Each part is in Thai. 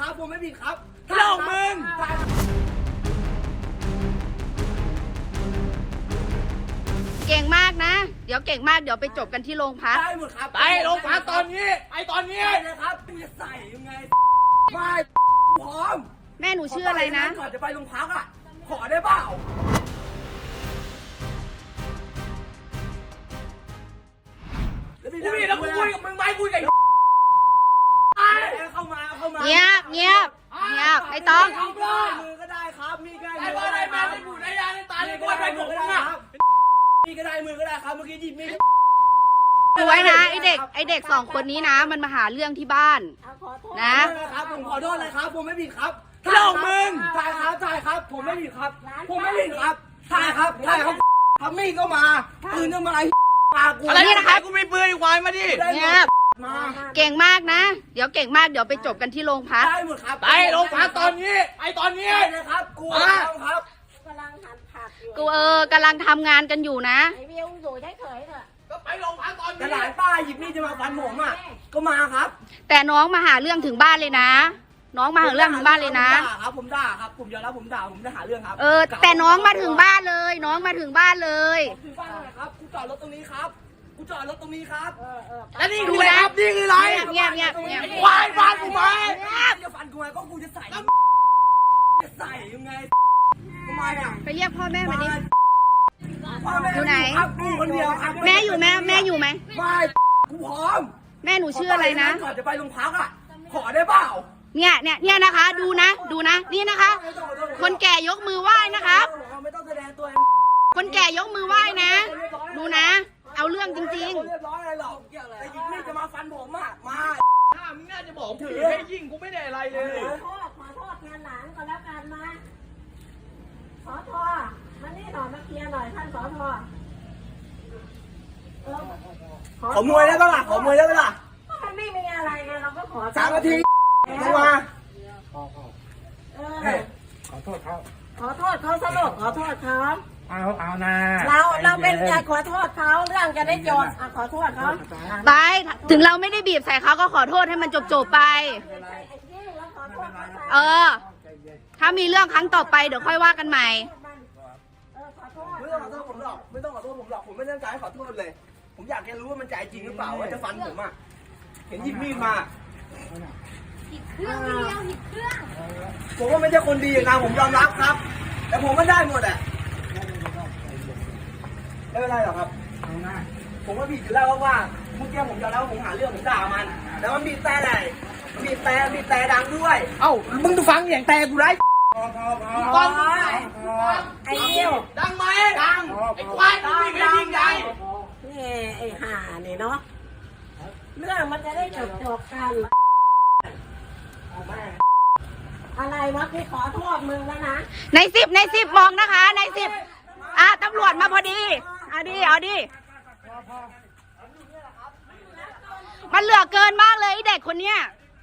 ครับผมไม่ผิดครับเรื่องของมึงเก่งมากนะ เดี๋ยวเก่งมากเดี๋ยวไปจบกันที่โรงพักได้หมดครับไปโรงพักตอนนี้ไปตอนนี้ได้เลยครับกูจะใส่ยังไงไม่พร้อมแม่หนูชื่ออะไรนะก่อนจะไปโรงพักอ่ะขอได้เปล่ากูมีแล้วกูคุยกับมึงไหมคุยกับเข้ามาเงียบไม่ต้องมือก็ได้ครับมีก็ได้ไอ้บ้าไอ้แม่ไม่บุญไอ้ยาไอ้ตาไอ้กล้วยไปผมมึงอ่ะมีก็ได้มือก็ได้ครับเมื่อกี้หยิบมีดดูไว้นะไอเด็กสองคนนี้นะมันมาหาเรื่องที่บ้านนะครับผมขอโทษเลยครับผมไม่ผิดครับเรื่องของมึงใช่ครับผมไม่ผิดครับผมไม่ผิดครับใช่ครับทำมีดก็มาปืนก็มามากูอะไรนะครับกูมีปืนควายมาดิเงียบมาเก่งมากนะ เดี๋ยวเก่งมากเดี๋ยวไปจบกันที่โรงพักได้หมดครับไปโรงพักตอนนี้ไปตอนนี้ได้เลยครับกูครับกำลังหั่นผักอยู่กูกำลังทำงานกันอยู่นะไอวิวอยู่เฉยๆเถอะก็ไปโรงพักตอนกระนี้ดาษป้าหยิบมีดจะมาฟันผมอ่ะก็มาครับแต่น้องมาหาเรื่องถึงบ้านเลยนะ น้องมาหาเรื่องถึงบ้านเลยนะผมด่าครับผมยอมรับผมด่าผมจะหาเรื่องครับแต่น้องมาถึงบ้านเลย น้องมาถึงบ้านเลยถึงบ้านเลยครับกูจอดรถตรงนี้ครับกูจอดรถตรงนี้ครับแล้วนี่คืออะไรครับนี่คืออะไรเงียบไอ้ควายบ้านกูไหมจะฟันกูไงก็กูจะใส่ยังไงทำไมอ่ะไปเรียกพ่อแม่มาดิออยู่ไหนครับกูคนเดียวครับแม่อยู่ไหมแม่อยู่ไหมไม่กูพร้อมแม่หนูชื่ออะไรนะก่อนจะไปโรงพักอ่ะขอได้เปล่าเนี่ยนะคะ ดูนะนี่นะคะ คนแก่ยกมือไหว้นะครับไม่ต้องแสดงตัวคนแก่ยกมือไหว้นะ ดูนะ เอาเรื่องจริงเรียบร้อยอะไรหรอกแต่หยิบมีดจะมาฟันผมอ่ะมาถ้ามึงน่าจะบอกถือให้ยิงกูไม่ได้อะไรเลยขอโทษงานหลังก็แล้วกันนะสอทอมานี่หน่อยมาเคลียร์หน่อยท่านสอทอขอมวยได้ปะล่ะขอมวยได้ปะล่ะมันไม่มีอะไรไงเราก็ขอ 3 นาทีมาขอโทษเขาสรุปขอโทษเขาเอานะเราเป็นการขอโทษเขาเรื่องจะได้จบขอโทษเขาๆ ไป ถึงเราไม่ได้บีบใส่เขาก็ขอโทษให้มันจบๆไป ถ้ามีเรื่องครั้งต่อไปเดี๋ยวค่อยว่ากันใหม่ไม่ต้องขอโทษผมหรอกไม่ต้องขอโทษผมหรอกผมไม่ตั้งใจขอโทษเลยผมอยากแค่รู้ว่ามันใจจริงหรือเปล่าว่าจะฟันผมอ่ะเห็นหยิบมีดมาผมว่าไม่ใช่คนดีนะผมยอมรับครับ แต่ผมก็ได้หมดอ่ะไม่เป็นไรหรอกครับผมก็ผิดอยู่แล้วว่าเมื่อกี้ผมยอมรับว่าผมหาเรื่องผมด่ามันแล้วมันบีบแต่อะไรมันบีบแต่ดังด้วยเอ้ามึงดูฟังอย่างแต่กูไรก่อนไอ้วิวดังไหมดังไอ้ควายมึงวิ่งให้ยิงใหญ่นี่ไอ้ห่านี่เนาะเรื่องมันจะได้จบกันอะไรวะพี่ขอโทษมึงแล้วนะในสิบมองนะคะ ในสิบตำรวจมาพอดีเอาดิมันเหลือเกินมากเลยไอ้เด็กคนเนี้ย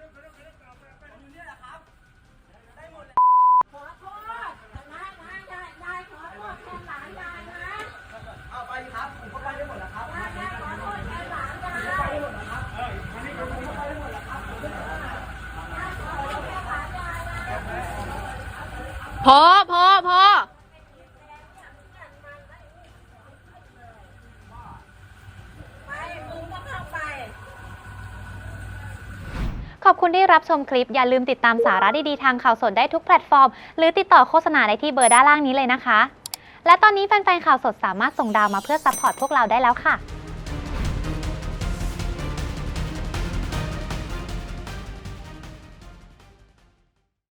ขอโทษนะยายขอโทษแทนหลานยายนะเอาไปครับผมก็ไปได้หมดแล้วครับยายขอโทษแทนหลานยายพอไปมึงก็เข้าไปขอบคุณที่รับชมคลิปอย่าลืมติดตามสาระดีๆทางข่าวสดได้ทุกแพลตฟอร์มหรือติดต่อโฆษณาได้ที่เบอร์ด้านล่างนี้เลยนะคะและตอนนี้แฟนๆข่าวสดสามารถส่งดาวมาเพื่อซัพพอร์ตพวกเราได้แล้วค่ะ